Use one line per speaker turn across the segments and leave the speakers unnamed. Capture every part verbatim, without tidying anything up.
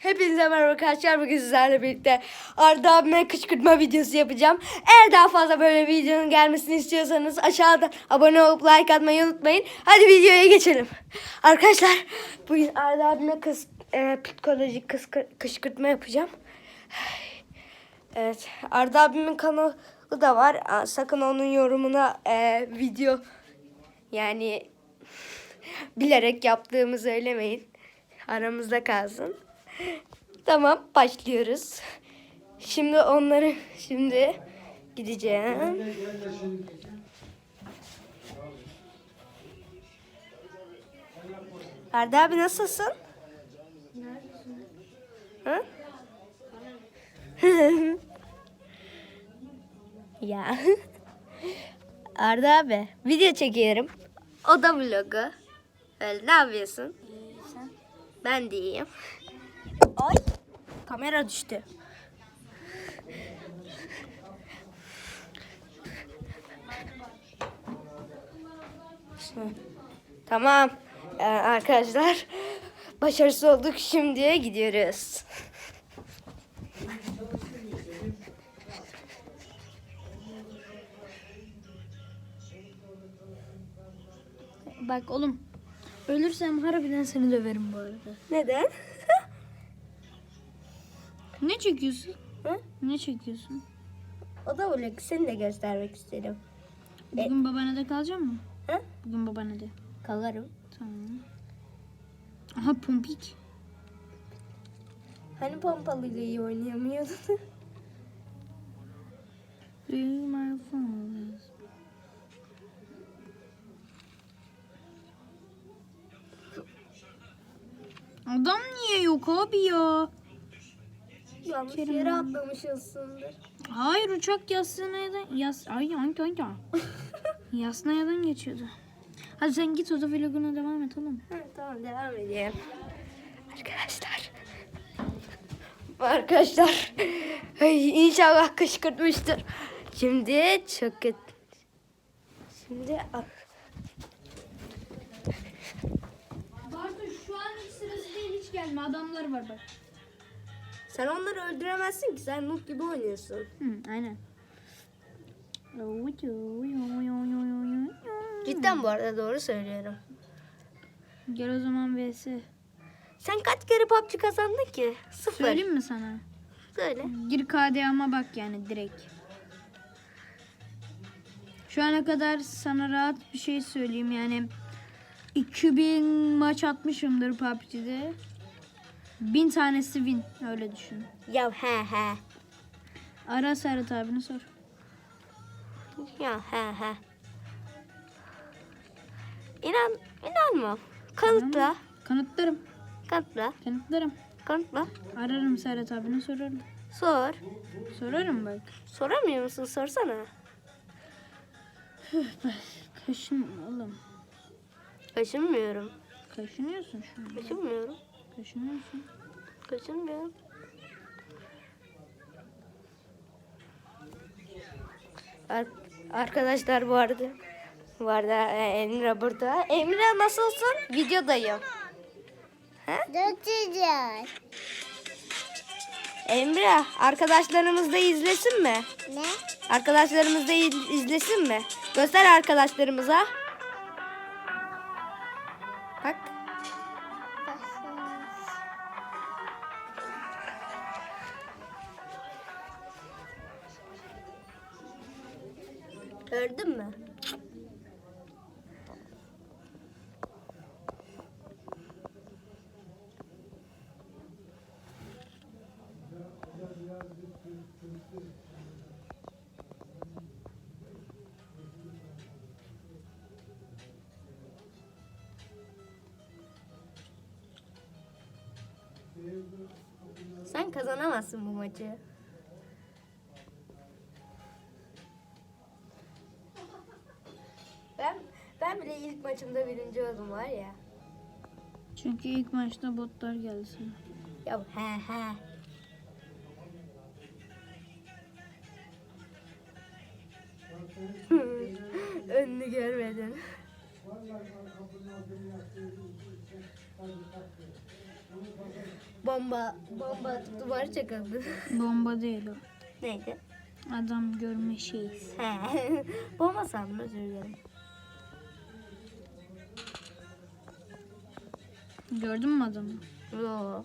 Hepinize merhaba arkadaşlar. Bugün sizlerle birlikte Arda abime kışkırtma videosu yapacağım. Eğer daha fazla böyle videonun gelmesini istiyorsanız aşağıda abone olup like atmayı unutmayın. Hadi videoya geçelim. Arkadaşlar bugün Arda abime kız, e, psikolojik kız, kışkırtma yapacağım. Evet, Arda abimin kanalı da var. Sakın onun yorumuna e, video yani bilerek yaptığımı söylemeyin. Aramızda kalsın. Tamam, başlıyoruz. Şimdi onları şimdi gideceğim. Arda abi nasılsın? Hı? Ya. Arda abi video çekiyorum. O da vlogu. Öyle, ne yapıyorsun?
Sen?
Ben de iyiyim. Ay, kamera düştü. Tamam. Ee, arkadaşlar başarısız olduk. Şimdi gidiyoruz.
Bak oğlum. Ölürsem harbiden seni döverim bu arada.
Neden?
Ne çekiyorsun?
Hı?
Ne çekiyorsun?
O da vlog. Seni de göstermek istedim.
Bugün babaannede kalacak mı?
Hı?
Bugün babaannede.
Kalarım.
Tamam. Aha pompik.
Hani pompalıyla iyi oynayamıyordun?
My phone. Adam niye yok abi ya?
Yanlış
Kerim
yere
abi.
atlamışsındır.
Hayır, uçak Yasnaya'dan yas ay ay ay ay. Yasnaya'dan geçiyordu. Hadi sen git, o da vloguna devam et oğlum.
Hı, tamam, devam edeyim. Arkadaşlar. Arkadaşlar. Ay, inşallah kışkırtmıştır. Şimdi çok kötü. Şimdi
Bartu, şu an hiç sırası değil, hiç gelme, adamlar var bak.
sen onları öldüremezsin ki, sen noob gibi oynuyorsun.
Hı, aynen.
Cidden bu arada doğru söylüyorum.
Gel o zaman V S.
Sen kaç kere P U B G kazandın ki? Sıfır.
Söyleyeyim mi sana?
Söyle.
Gir K D A'ma bak yani direkt. Şu ana kadar sana rahat bir şey söyleyeyim yani. iki bin maç atmışımdır P U B G'de. bin tanesi win, öyle düşün.
Ya he he.
Ara Serhat abini sor.
Ya he he. İnan, inanmam. Kanıtla.
Kanıtlarım.
Kanıtla.
Kanıtlarım.
Kanıtla.
Ararım Serhat abini, sorarım.
Sor.
Sorarım bak.
Soramıyor musun? Sorsana.
Kaşın oğlum.
Kaşınmıyorum.
Kaşınıyorsun şu an.
Kaşınmıyorum.
Kaşınıyorsun.
Kaşınmıyorum. Ar- Arkadaşlar bu arada bu arada e, Emre burada. Emre nasılsın? Videodayım.
Dökeceğiz.
Emre arkadaşlarımız da izlesin mi?
Ne?
Arkadaşlarımız da iz- izlesin mi? Göster arkadaşlarımıza. Bak. Gördün mü? Sen kazanamazsın bu maçı. Ben ben bile ilk maçımda birinci oldum var ya.
Çünkü ilk maçta botlar geldi sana.
Ya he he. Önünü görmedin. Bomba, bomba atıp duvarı çakıldı.
Bomba değil o.
Neydi?
Adam görme şeyi.
He. Bomba sandım, özür dilerim.
Gördün mü adamı?
Yo.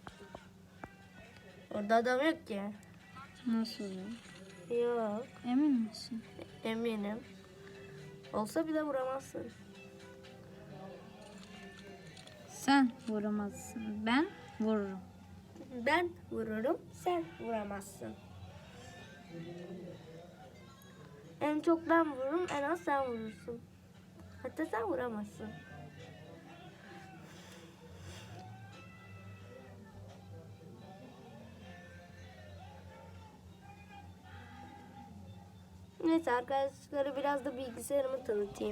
Orada adam yok ki.
Nasıl ya?
Yok.
Emin misin?
Eminim. Olsa bile vuramazsın.
Sen vuramazsın. Ben vururum.
Ben vururum, sen vuramazsın. En çok ben vururum, en az sen vurursun. Hatta sen vuramazsın. Neyse arkadaşlara biraz da bilgisayarımı tanıtayım.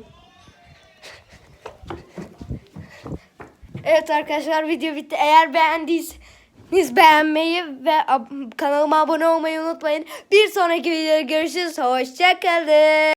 Evet arkadaşlar, video bitti. Eğer beğendiyseniz beğenmeyi ve ab- kanalıma abone olmayı unutmayın. Bir sonraki videoda görüşürüz. Hoşçakalın.